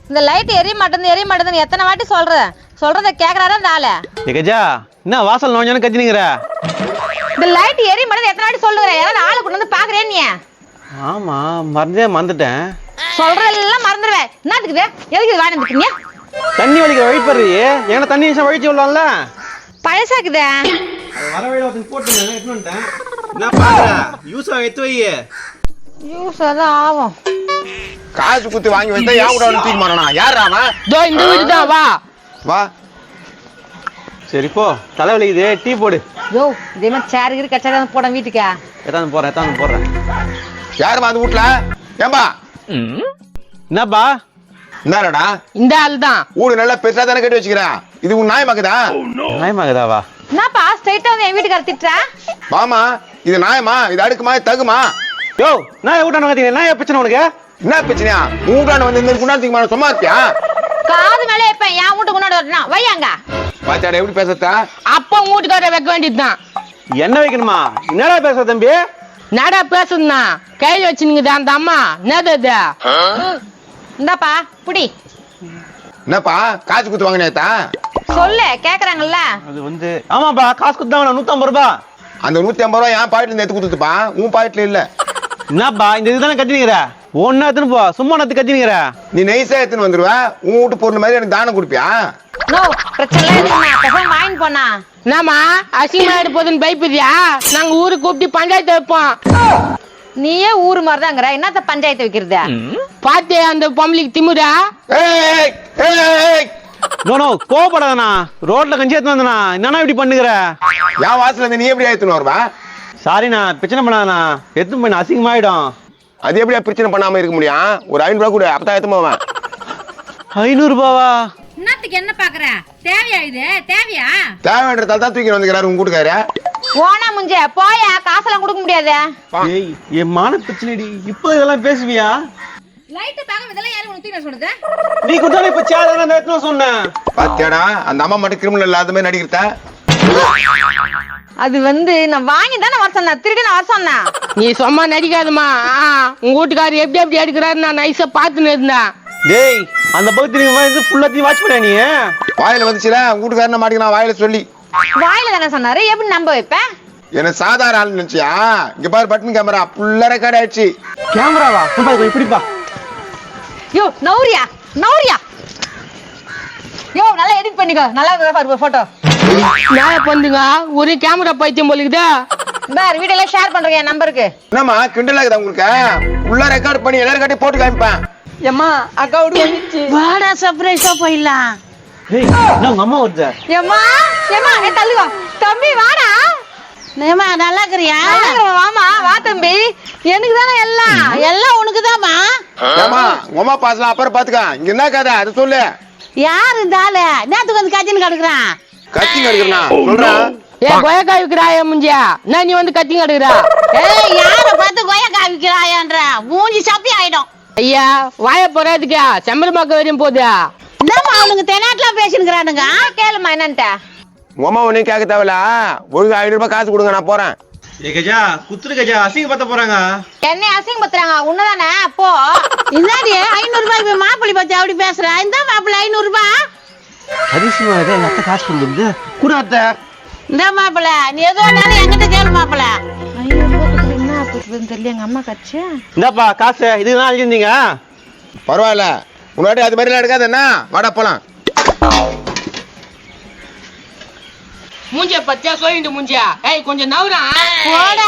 இந்த லைட் எரிய மாட்டேன்னு எத்தனை வாட்டி சொல்றத கேக்குறாரா இந்த ஆளு? கஜா என்ன வாசல் நோஞ்சோன்னு கத்தினுங்கிற? இந்த லைட் எரிய மாட்டேன்னு எத்தனை வாட்டி சொல்லுற? யாராவது ஆளு கொண்டு வந்து பாக்குறேன் நீ? ஆமா மறந்துட்டேன். சொல்றதெல்லாம் மறந்துடுவேன். என்னத்துக்குது? எதுக்கு இது வாங்கி வந்துட்டீங்க? தண்ணி வலிக்க வழிப்படுறீ ஏன்னா தண்ணி நிமிஷம் வழிச்சு விடலாம்ல. பழசாக்குதே. வர வழியில ஒருத்தன் போட்டுட்டேன் எடுத்து வந்துட்டேன். என்ன பாக்குற? யூஸா எடுத்து வை. யூஸ் அதான் ஆகும். காசு குத்து வாங்கி வச்சா யா கூட வந்து தூக்கி மாறனா? யாரா அவன்? தோ இந்த வீடு தான், வா வா. சரி போ, தலைவலிக்குது, டீ போடு. யோ இதே மாதிரி சேர் கிரி கச்சா போட வீட்டுக்கா? எத்தாந்து போடுறேன். யாருமா அந்த வீட்டுல? ஏம்பா என்னப்பா? என்னடா இந்த ஆள் தான். வீடு நல்லா பெருசா தானே கட்டி வச்சுக்கிறேன். இது உன் நியாயமாக்குதா? நியாயமாக்குதாவா? என்னப்பா ஸ்ட்ரைட்டா வந்து என் வீட்டுக்கார திட்டுறா? மாமா இது நியாயமா? இது அடுக்குமா? இது தகுமா? யோ நான் வீட்டான கத்திங்க, நான் பிரச்சனை உனக்கு? என்ன பிரச்சனையா? உன் வீட்டான வந்து இந்த குண்டாத்துக்கு சும்மா இருக்கியா? காது மேலே வைப்பேன். என் வீட்டுக்கு முன்னாடி வரணும் வையாங்க. பாத்தியாடா எப்படி பேசத்தா? அப்ப வீட்டுக்கார வைக்க வேண்டியதுதான். என்ன வைக்கணுமா? என்னடா பேசுற தம்பி? நடா பேசுனா கையில வச்சுனுங்குது அந்த அம்மா. என்னது? இந்தாப்பா புடி. என்னப்பா காசு குத்து வாங்கினேத்தா? சொல்லு கேக்குறாங்கல்ல. அது வந்து ஆமாப்பா, காசு கொடுத்தா 150 ரூபாய். அந்த 150 ரூபாய் என் பாக்கெட்ல இருந்து எடுத்து கொடுத்துப்பா. உன் பாக்கெட்ல இல்ல. என்னப்பா இந்த இதுதானே கத்தினுங்கிற? ஒன்னா எடுத்துன்னு போ, சும்மா நத்து கத்தினுங்கிற. நீ நைஸா எடுத்துன்னு வந்துருவ. உன் வீட்டு பொருள் மாதிரி எனக்கு தானம் கொடுப்பியா? நோ பிரச்சனை இல்ல, வாங்கி போனா. என்னம்மா அசிங்கமா ஆயிடு போதுன்னு பயப்படுறியா? நாங்க ஊருக்கு கூப்பிட்டு பஞ்சாயத்து வைப்போம். நீயே ஊரு மாதிரிதாங்கிற, என்னத்த பஞ்சாயத்து வைக்கிறது? பாத்தே அந்த பொம்பளைக்கு திமுறா. ஏய் ஏய் நோ கோபப்படாதண்ணா, ரோட்ல கஞ்சி எடுத்து வந்தனா என்னன்னா இப்படி பண்ணுகிற? என் வாசல்ல இருந்து நீ எப்படி எடுத்துன்னு வருவா? சாரிண்ணா, பிரச்சனை பண்ணாதண்ணா, எடுத்து போய் அசிங்கமாயிடும். அது எப்படியா பிரச்சனை பண்ணாம இருக்க முடியும்? ஒரு 500 ரூபாய் கூட அப்பதான் எடுத்து போவேன். 500 ரூபாவா? என்னத்துக்கு என்ன பாக்குற? தேவையா இது? தேவையா? தேவைன்றதால தான் தூக்கி வந்துக்கிறாரு உங்க கூட்டுக்காரு. போனா முஞ்ச போயா, காசெல்லாம் கொடுக்க முடியாது. ஏய் என் மான பிரச்சனைடி, இப்போ இதெல்லாம் பேசுவியா? லைட் பாக்க இதெல்லாம் யாரு உனக்கு தூக்கி சொல்றது? நீ கொடுத்தாலே இப்ப சேர் நான் எடுத்து சொன்னேன். பாத்தியாடா அந்த அம்மா மட்டும் கிரிமினல் இல்லாத மாதிரி நடிக்கிறதா? அது வந்து நான் வாங்கி தானே வர சொன்னேன், திருடி நான் வர சொன்னேன். நீ சும்மா நடிக்காதம்மா. உங்க வீட்டுக்காரர் எப்படி எடுக்கிறாரு நான் நைஸா பாத்துன்னு இருந்தேன். டேய் அந்த பகுதி வந்து ஃபுல்லாத்தையும் வாட்ச் பண்ண நீ. வாயில வந்துச்சுல உங்க வீட்டுக்காரன மாட்டிக்கலாம் வாயில சொல்லி. வாயில தானே சொன்னாரு, எப்படி நம்ப வைப்பேன்? என்ன சாதாரண ஆள் நினைச்சியா? இங்க பாரு பட்டன் கேமரா ஃபுல்லா ரெக்கார்ட் ஆயிடுச்சு. கேமராவா? இப்படிப்பா. யோ நௌரியா. யோ நல்லா எடிட் பண்ணிக்கோ, நல்லா பாரு போட்டோ. நான் பண்ணுங்க ஒரு கேமரா பைத்தியம் போலுக்குதா. பார் வீடியோல ஷேர் பண்றேன் என் நம்பருக்கு. என்னம்மா கிண்டல் ஆகுதா உங்களுக்கு? ஃபுல்லா ரெக்கார்ட் பண்ணி எல்லாரும் கட்டி போட்டு காமிப்பேன். ஏம்மா அக்கா வீடு வந்துச்சு, வாடா சர்ப்ரைஸா போயிடலாம். ஏய் நான் உங்க அம்மா வருது. ஏம்மா தள்ளுவா தம்பி, வாடா. ஏம்மா நல்லா இருக்கிறியா? வாமா வா தம்பி, எனக்கு தானே எல்லாம் உனக்கு தான்மா. ஏமா உங்க அம்மா பாசலாம் அப்புறம் பாத்துக்க. இங்க என்ன கதை அது சொல்லு. யாரு இந்த ஆளு? நேத்துக்கு வந்து கத்தின்னு கிடக்குறான். கத்தி கடுக்கிறா சொல்றேன். ஏ கொயக்கா விக்கிறாயா முஞ்சியா? நான் நீ வந்து கத்தி கடுக்குறா? ஏய் யார பார்த்து கொயக்கா விக்கிறாயன்ற மூஞ்சி சப்பி ஆயிடும். ஐயா வாய போறாதுக்கா செம்பரமாக்க வரையும் போகுது. என்னம்மா அவனுங்க தெனாட்லாம் பேசினுக்கிறானுங்க? கேளுமா என்னன்ட்ட. உங்க அம்மா ஒன்னும் கேட்க தேவையில்ல. ஒழுங்கு 500 ரூபாய் காசு கொடுங்க, நான் போறேன். ஏ கஜா குத்துரு கஜா, அசிங்கப்படுத்த போறாங்க. என்னை அசிங்கப்படுத்துறாங்க உன்னதானே? போ. என்னடி 500 ரூபாய் மாப்பிள்ளை பத்தி அப்படி பேசுற? இந்த மாப்பிள்ளை 500 ரூபாய் அதிசயமா இருக்கு. எங்க அத்தை காசு கொடுக்குது கூட அத்தை. இந்த மாப்பிள்ளை நீ ஏதோ என்கிட்ட கேளு மாப்பிள்ளை. 500 ரூபாய் என்ன போட்டுதுன்னு தெரியல எங்க அம்மா கட்சி. இந்தாப்பா காசு, இதுதான் அழிஞ்சிருந்தீங்க. பரவாயில்ல முன்னாடி அது மாதிரி எடுக்காது. என்ன வாடா போலாம். மூஞ்சிய பத்தியா சொல்லிட்டு மூஞ்சியா? ஏய் கொஞ்சம் நவுறா போடா.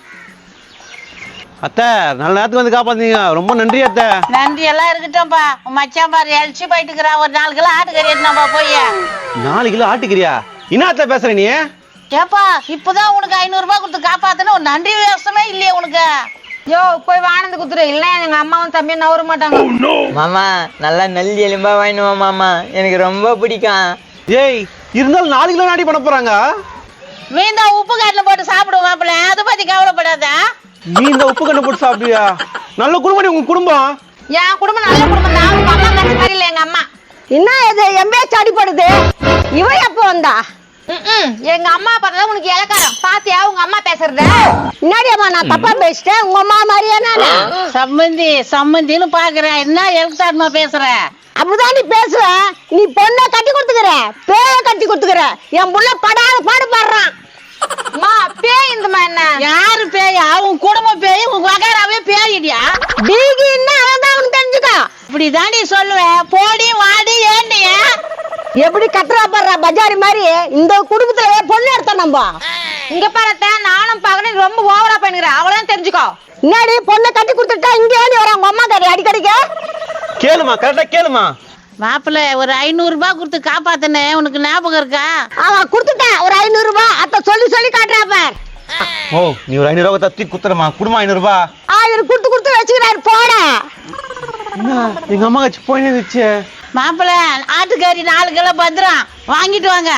அத்தை நல்ல நேரத்துக்கு வந்து காப்பாத்தீங்க, ரொம்ப நன்றி அத்தை. நன்றி எல்லாம் இருக்கட்டும்பா. மச்சான் பாரு எழுச்சி போயிட்டு இருக்கிறான். ஒரு 4 கிலோ ஆட்டுக்கறி எடுத்துனாப்பா போய். 4 கிலோ ஆட்டுக்கிறியா? என்ன அத்தை பேசுற நீ? ஏப்பா இப்பதான் உனக்கு 500 ரூபாய் கொடுத்து காப்பாத்துன்னு ஒரு நன்றி விவசாயமே இல்லையே உனக்கு. யோ போய் வானந்து குத்துரு, இல்ல எங்க அம்மாவும் தம்பியும் நவர மாட்டாங்க. மாமா நல்லா நல்லி எலும்பா வாங்கினுவா மாமா, எனக்கு ரொம்ப பிடிக்கும். ஏய் இருந்தாலும் 4 கிலோ நாடி பண்ண போறாங்க. மீந்தா உப்பு காட்டுல போட்டு சாப்பிடுவோம் மாப்பிள்ள, அதை பத்தி கவலைப்படாத. நீ இந்த உப்பு கண்ணை போட்டு சாப்பிடுவியா? நல்ல குடும்பம் உங்க குடும்பம். என் குடும்பம் நல்ல குடும்பம் தான். உங்க அம்மா கட்சி மாதிரி இல்ல எங்க அம்மா. என்ன இது எம்பேச்சு அடிப்படுது? இவ எப்ப வந்தா? எங்க அம்மா பார்த்தா உனக்கு இலக்காரம் பாத்தியா? உங்க அம்மா பேசுறத என்னடியம்மா நான் தப்பா பேசிட்டேன்? உங்க அம்மா மாதிரியா? சம்மந்தி சம்மந்தின்னு பாக்குறேன், என்ன எழுத்தாருமா பேசுற? அப்படிதான் நீ பேசுவ. நீ பொண்ணை கட்டி கொடுத்துக்கிற, பேய கட்டி கொடுத்துக்கிற. என் புள்ள படாத பாடு பாடுறான். அம்மா பேய் இந்தமா என்ன? யாரு பேயா? உன் குடும்ப பேய், உன் வகைராவே பேயிடியா? டீகின்னா அதான் உனக்கு தெரிஞ்சுக்கோ. இப்படிதான் நீ சொல்லுவேன். போடி வாடி ஏண்டி? எப்படி கட்டுறா பாடுறா பஜாரி மாதிரி. இந்த குடும்பத்துல பொண்ணு எடுத்தோம் நம்ம. இங்க பாருத்த, நானும் பாக்குறேன் ரொம்ப ஓவரா பண்ணிக்கிறேன். அவளையும் தெரிஞ்சுக்கோ. முன்னாடி பொண்ணை கட்டி கொடுத்துட்டா இங்க ஏறி வர உங்க அம்மா கறி அடிக்கடிக்க. கேளுமா, கரெக்டா கேளுமா. மாப்பிள்ள ஒரு 500 ரூபாய் கொடுத்து காப்பாத்தனே, உனக்கு ஞாபகம் இருக்கா? அவன் கொடுத்துட்டான் ஒரு 500 ரூபாய். அத்த சொல்லி சொல்லி காட்டுறா பார். ஓ, நீ ஒரு 500 ரூபாய் தத்தி குத்துறமா. குடுமா 500 ரூபாய். இவரு கொடுத்து கொடுத்து வச்சுக்கிறாரு போட. எங்க அம்மா கட்சி போயினே இருந்துச்சு. மாப்பிள்ள ஆட்டுக்கறி 4 கிலோ பத்திரம் வாங்கிட்டு வாங்க.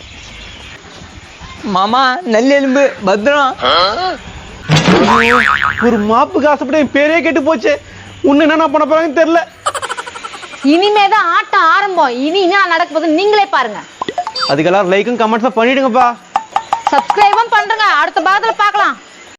மாமா நல்ல எலும்பு பத்திரம். ஒரு மாப்புக்கு ஆசைப்பட்டு என் பேரே கெட்டு போச்சு. உன்ன என்ன பண்ண போறாங்கன்னு தெரியல. இனிமேதான் ஆட்டம் ஆரம்பம். இனி என்ன நடக்க போகுது நீங்களே பாருங்க. அதுக்கெல்லாம் லைக்கும் கமெண்ட்ஸும் பண்ணிடுங்கப்பா. சப்ஸ்கிரைபும் பண்றேங்க. அடுத்த பாகத்துல பார்க்கலாம்.